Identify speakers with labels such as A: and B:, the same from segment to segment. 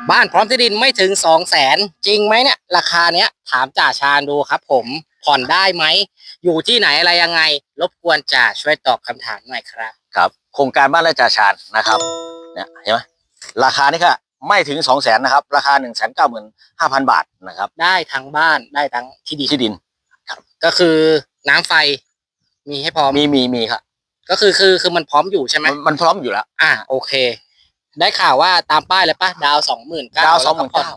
A: บ้านพร้อมที่ดินไม่ถึง200,000จริงไหมเนี่ยราคาเนี้ยถามจ่าชาญดูครับผมผ่อนได้ไหมอยู่ที่ไหนอะไรยังไงรบกวนจ่าช่วยตอบคำถามหน่อยครับ
B: ครับโครงการบ้านไร่จ่าชาญนะครับเนี่ยเห็นไหมราคานี่ค่ะไม่ถึง200,000นะครับราคา195,000 บาทนะครับ
A: ได้ทั้งบ้านได้ทั้งที่ดิน
B: ครับ
A: ก็คือน้ำไฟมีให้พร้อม
B: มีครับ
A: ก็คือมันพร้อมอยู่ใช่ไหม
B: มันพร้อมอยู่แล้ว
A: โอเคได้ข่าวว่าตามป้ายเลยปะดาว29,000
B: ดาว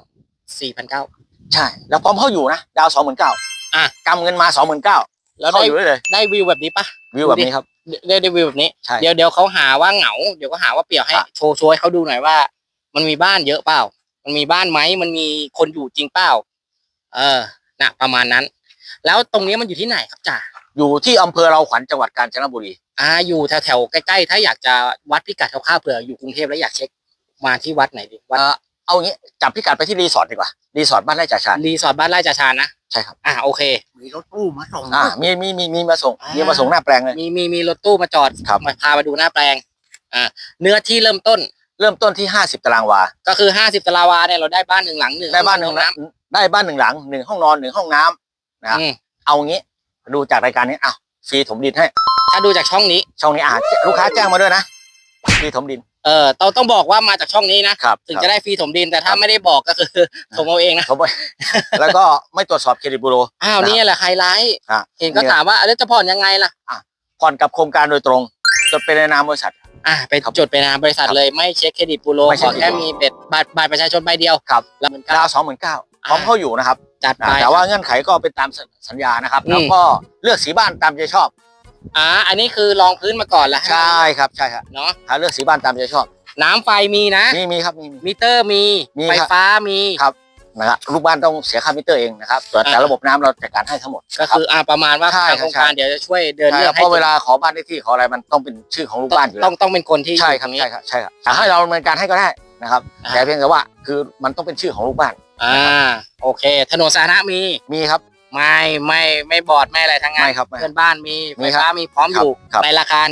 A: 29,000
B: ใช่แล้วพร้อมเข้าอยู่นะดาว29,000กำเงินมา29,000
A: แล้ว
B: เข้าอยู่เลย
A: ได้วิวแบบนี้ปะ
B: วิวแบบนี้ครับ
A: ได้วิวแบบนี้
B: ใช่
A: เดี๋ยวเขาหาว่าเหงาเดี๋ยวก็หาว่าเปลี่ยวให้โชว์ให้เขาดูหน่อยว่ามันมีบ้านเยอะเปล่ามันมีบ้านไหมมันมีคนอยู่จริงเปล่าน่ะประมาณนั้นแล้วตรงนี้มันอยู่ที่ไหนครับจ่า
B: อยู่ที่อำเภอเราขวัญจังหวัดกาญจนบุรี
A: อยู่แถวใกล้ๆถ้าอยากจะวัดพิกัดคร่าวๆเผื่ออยู่กรุงเทพแล้วอยากเช็คมาที่วัดไหนดีวัด
B: เอางี้จับพิกัดไปที่รีสอร์ทดีกว่ารีสอร์ทบ้านไร่จ่าชาญ
A: รีสอร์ทบ้านไร่จ่าชาญนะ
B: ใช่ครับ
A: โอเค
C: มีรถตู้มาส่ง
B: มีมาส่งหน้าแปลงเลย
A: มีรถตู้มาจอดมาพามาดูหน้าแปลงเนื้อที่เริ่มต้น
B: ที่50 ตารางวา
A: ก็คือ50 ตารางวาเนี่ยเราได้บ้าน1 หลัง
B: ได้บ้าน1 หลังได้บ้าน1 หลัง1 ห้องนอน1 ห้องน้ำนะเอางี้ดูจากรายการนี้ฟรีถมดินให้
A: ถ้าดูจากช่องนี้
B: ลูกค้าแจ้งมาด้วยนะฟรีถมดิน
A: ต้องบอกว่ามาจากช่องนี้นะครับถึงจะได้ฟรีถมดินแต่ถ้าไม่ได้บอกก็คือถมเอาเองนะ
B: แล้วก็ไม่ตรวจสอบเครดิตบูโร
A: นี่แหละไฮไลท์เห็นก็ถามว่าแล้วจะผ่อนยังไงล่ะ
B: ผ่อนกับโครงการโดยตรงจดเป็นในนามบริษัท
A: ไปจดเป็นนามบริษัทเลยไม่เช็คเครดิตบูโรขอแค่มีบัตรประชาชนใบเดียว
B: ครับแล้วดาว29,000พร้อมเข้าอยู่นะครับ
A: จัดไป
B: แต่ว่าเงื่อนไขก็เป็นตามสัญญานะครับแล้วก็เลือกสีบ้านตามใจชอบ
A: อันนี้คือลองพื้นมาก่อนแล้ว
B: ใช่ครับ
A: เนาะ
B: เลือกสีบ้านตามใจชอบ
A: น้ำไฟมีนะ
B: มีครับมี
A: มิเตอร์มีไฟฟ้ามี
B: ครับนะครับลูกบ้านต้องเสียค่ามิเตอร์เองนะครับแต่ระบบน้ำเราจัดการให้ทั้งหมด
A: ก็คือประมาณว่าทางโครงการเดี๋ยวจะช่วยเดินเรื่องให้
B: เพราะเวลาขอบ้านเลขที่ขออะไรมันต้องเป็นชื่อของลูกบ้านอยู่แล้ว
A: ต้องเป็นคนที่
B: ใช่ครับให้เราดำเนินการให้ก็ได้นะครับแต่เพียงแต่ว่าคือมันต้องเป็นชื่อของลูกบ้าน
A: โอเคถนนสาธารณะ
B: มีครับ
A: ไม่บอดไม่อะไรทั้งนั้นเพื่อนบ้านมีไฟฟ้ามีพร้อมอยู่ในราคา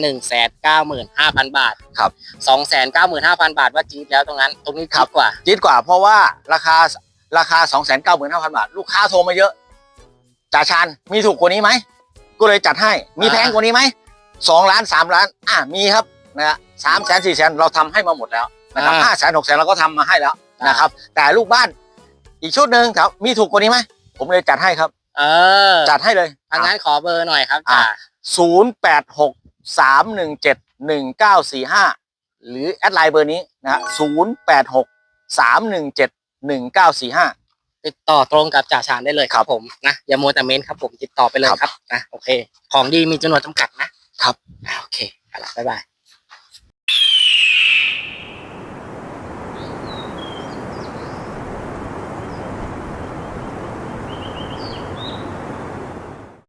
A: 195,000 บาท
B: ครับ
A: 295,000 บาทว่าจี๊ดแล้วตรงนี้จี๊ดก
B: ว่าเพราะว่าราคา295,000 บาทลูกค้าโทรมาเยอะจ่าชาญมีถูกกว่านี้ไหมก็เลยจัดให้มีแพงกว่านี้ไหม2 ล้าน3 ล้านมีครับนะ3 แสน4 แสนเราทำให้มาหมดแล้วนะครับ5 แสน6 แสนเราก็ทำมาให้แล้วนะครับแต่ลูกบ้านอีกชุดหนึ่งครับมีถูกกว่านี้ไหมผมเลยจัดให้ครับจัดให้เลย
A: งั้นขอเบอร์หน่อยครับจ่า
B: 0863171945หรือแอดไลน์เบอร์นี้นะ0863171945
A: ติดต่อตรงกับจ่าชาญได้เลยครับผมนะอย่ามัวแต่เม้นครับผมติดต่อไปเลยครับโอเคของดีมีจำนวนจำกัดนะครับโอเคบ๊ายบาย